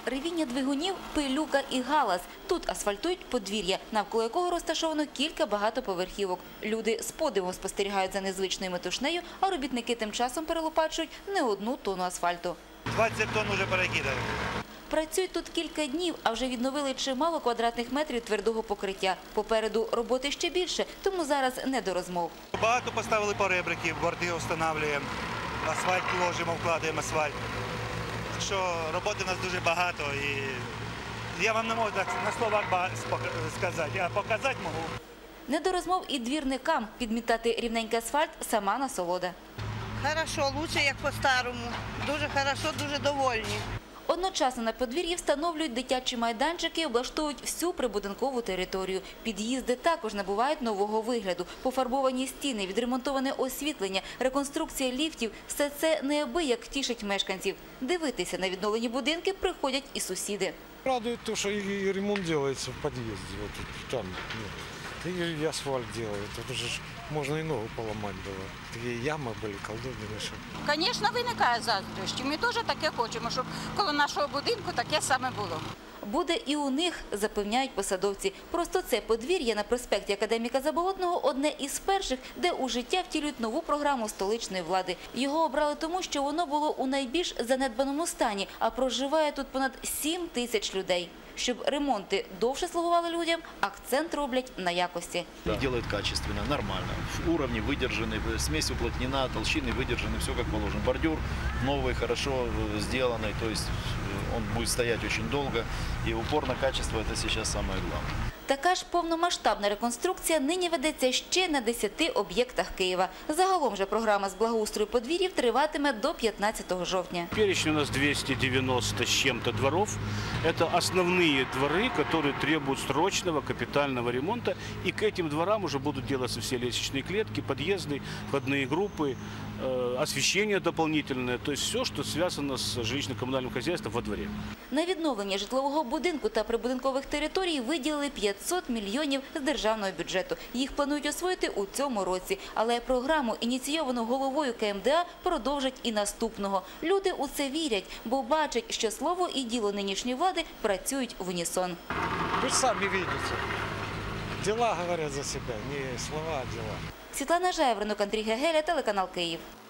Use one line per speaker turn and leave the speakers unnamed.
Ревіння двигунів, пилюка і галас. Тут асфальтують подвір'я, навколо якого розташовано кілька багатоповерхівок. Люди з подивом спостерігають за незвичною метушнею, а робітники тим часом перелопачують не одну тонну асфальту.
20 тонн вже перекидали.
Працюють тут кілька днів, а вже відновили чимало квадратних метрів твердого покриття. Попереду роботи ще більше, тому зараз не до розмов.
Багато поставили поребриків, борти встановлюємо, асфальт ложимо, вкладаємо асфальт. Так що роботи у нас дуже багато і я вам не можу так на словах сказати, а показати можу.
Не до розмов і двірникам. Підмітати рівненький асфальт – сама насолода.
Хорошо, лучше, як по-старому. Дуже хорошо, дуже довольні.
Одночасно на подвір'ї встановлюють дитячі майданчики, облаштовують всю прибудинкову територію. Під'їзди також набувають нового вигляду. Пофарбовані стіни, відремонтоване освітлення, реконструкція ліфтів – все це неабияк тішить мешканців. Дивитися на відновлені будинки приходять і сусіди.
Радует то, что и ремонт делается в подъезде, вот там, и асфальт делают. Это же можно и ногу поломать было. Такие ямы были, колдобины.
Звісно, виникає заздрощі. Ми теж таке хочемо, щоб коло нашого будинку таке саме було.
Буде і у них, запевняють посадовці. Просто це подвір'я на проспекті Академіка Заболотного – одне із перших, де у життя втілюють нову програму столичної влади. Його обрали тому, що воно було у найбільш занедбаному стані, а проживає тут понад 7 тисяч людей. Щоб ремонти довше слугували людям, акцент роблять на якості.
Делают качественно, нормально. Уровни выдержаны, смесь уплотнена, толщины выдержаны, все как положено. Бордюр новый, хорошо сделанный, то есть он будет стоять очень долго. И упор на качество – это сейчас самое главное.
Така ж повномасштабна реконструкція нині ведеться ще на 10 об'єктах Києва. Загалом же програма з благоустрою подвір'їв триватиме до 15 жовтня.
Перечень у нас 290 с чем-то дворов. Это основные дворы, которые требуют срочного капитального ремонта. И к этим дворам уже будут делаться все лестничные клетки, подъезды, входные группы, освещение дополнительное. То есть все, что связано с жилищно-коммунальным хозяйством во дворе.
На відновлення житлового будинку та прибудинкових територій виділили 500 мільйонів з державного бюджету. Їх планують освоїти у цьому році. Але програму, ініційовану головою КМДА, продовжать і наступного. Люди у це вірять, бо бачать, що слово і діло нинішньої влади працюють в унісон.
Вы же сами видите. Дела говорят за себя, не слова, а дела.
Світлана Жайворонок, Андрій Гегеля, телеканал Київ.